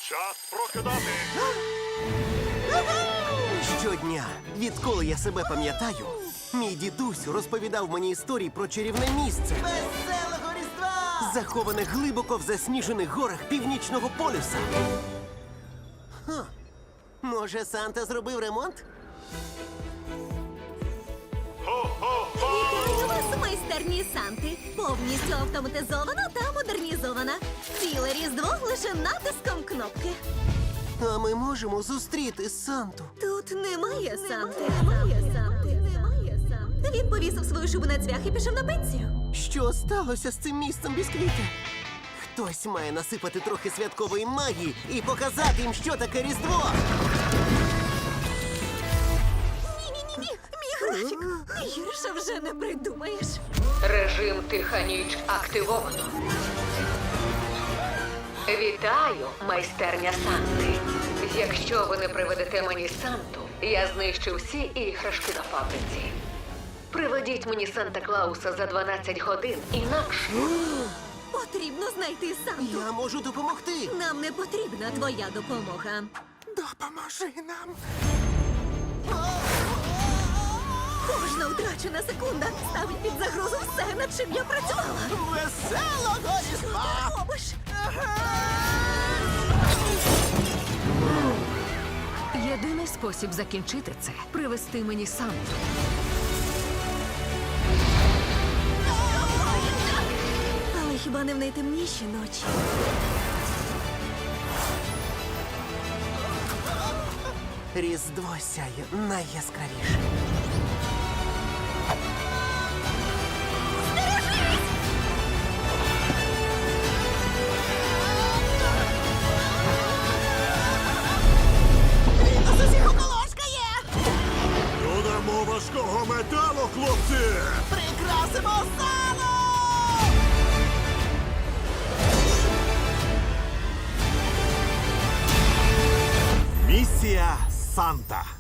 Час прокидати. Щодня, відколи я себе пам'ятаю, мій дідусь розповідав мені історії про чарівне місце, Веселого Різдва! заховане глибоко в засніжених горах Північного полюса. Може, Санта зробив ремонт? Вітаю вас, майстерні Санти! Повністю автоматизована та модернізована. Ціле Різдво лише натиском кнопки. А ми можемо зустріти Санту. Тут немає Санти. Немає Санти. Він повісив свою шубу на цвях і пішов на пенсію. Що сталося з цим місцем бісквіти? Хтось має насипати трохи святкової магії і показати їм, що таке Різдво. Ні-ні-ні, мій графік. Гірше вже не придумаєш. Режим «Тиха ніч» активовано. Вітаю, майстерня Санти. Якщо ви не приведете мені Санту, я знищу всі іграшки на фабриці. Приведіть мені Санта-Клауса за 12 годин, інакше... Потрібно знайти Санту. Я можу допомогти. Нам не потрібна твоя допомога. Допоможи нам. Кожна втрачена секунда ставить під загрозу все, над чим я працювала. Веселого Різдва! Що ти робиш? Єдиний спосіб закінчити це – привести мені Санту. Але хіба не в найтемніші ночі? Різдво сяє найяскравіше. Додамо важкого металу, хлопці! Прикрасимо залу! Місія Санта.